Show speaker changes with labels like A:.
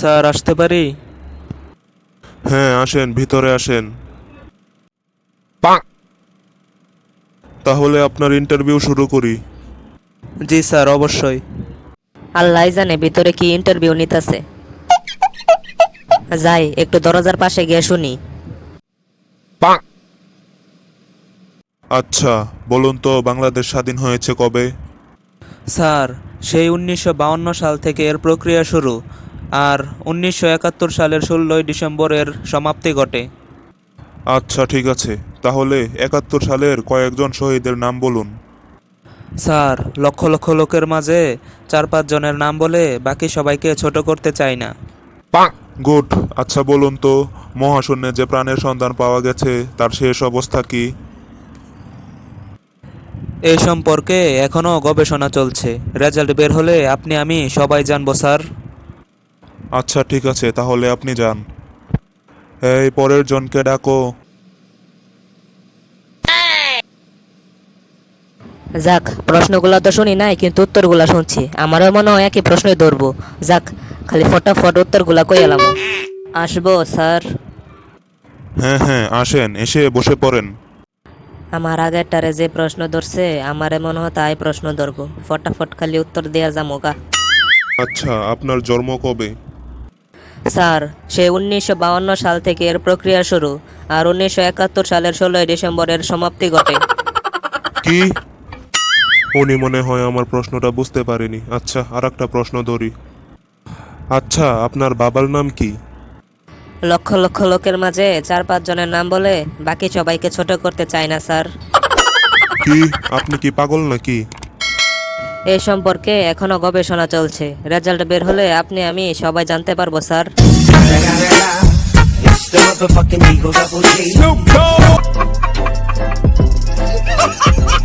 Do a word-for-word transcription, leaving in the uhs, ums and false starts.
A: Sir আসতে পারি?
B: হ্যাঁ আসেন, ভিতরে আসেন। তাহলে আপনার ইন্টারভিউ শুরু করি।
A: জি স্যার, অবশ্যই।
C: আল্লাহ জানে ভিতরে কি ইন্টারভিউ নিতেছে। যাই একটু দরজার পাশে গিয়ে শুনি।
B: আচ্ছা বলুন তো, বাংলাদেশ স্বাধীন হয়েছে কবে?
A: স্যার, সেই উনিশশো বাউন্ন সাল থেকে এর প্রক্রিয়া শুরু, আর উনিশশো একাত্তর সালের ষোলোই ডিসেম্বর এর সমাপ্তি ঘটে।
B: আচ্ছা ঠিক আছে, তাহলে একাত্তর সালের কয়েকজন শহীদের নাম বলুন।
A: স্যার, লক্ষ লক্ষ লোকের মাঝে চার পাঁচ জনের নাম বলে বাকি সবাইকে ছোট করতে চাই না।
B: গুড। আচ্ছা বলুন তো, মহাশূন্যে যে প্রাণের সন্ধান পাওয়া গেছে তার শেষ অবস্থা কি?
A: এই সম্পর্কে এখনও গবেষণা চলছে। রেজাল্ট বের হলে আপনি আমি সবাই জানবো স্যার।
B: আচ্ছা ঠিক আছে, তাহলে আপনি যান। এই পরের জনকে ডাকো।
C: যাক, প্রশ্নগুলো তো শুনি নাই, কিন্তু উত্তরগুলা শুনছি। আমারও মনে হয় একই প্রশ্নই ধরবো। যাক, খালি ফটাফট উত্তরগুলা কই এলাম। আসবো স্যার?
B: হ্যাঁ হ্যাঁ আসেন, এসে বসে পড়েন।
C: আমার আগেরটারে যে প্রশ্ন ধরছে, আমারে মনে হয় তাই প্রশ্ন ধরবো। ফটাফট খালি উত্তর দেওয়া যাবো গা।
B: আচ্ছা, আপনার জন্ম কবে?
C: স্যার, সে উনিশশো বাউন্ন সাল থেকে এর প্রক্রিয়া শুরু, আর উনিশশো একাত্তর সালের ষোলোই ডিসেম্বরের সমাপ্তি ঘটে।
B: কি? উনি মনে হয় আমার প্রশ্নটা বুঝতে পারেনি। আচ্ছা, আর একটা প্রশ্ন ধরি। আচ্ছা, আপনার বাবার নাম কি?
C: লক্ষ লক্ষ লোকের মাঝে চার পাঁচ জনের নাম বলে বাকি সবাইকে ছোট করতে চাই না স্যার।
B: কি? আপনি কি পাগল নাকি?
C: এই সম্পর্কে এখনো গবেষণা চলছে। রেজাল্ট বের হলে আপনি আমি সবাই জানতে পারবো sir.
D: It's the motherfucking Eagle Double G. Snoop Dogg.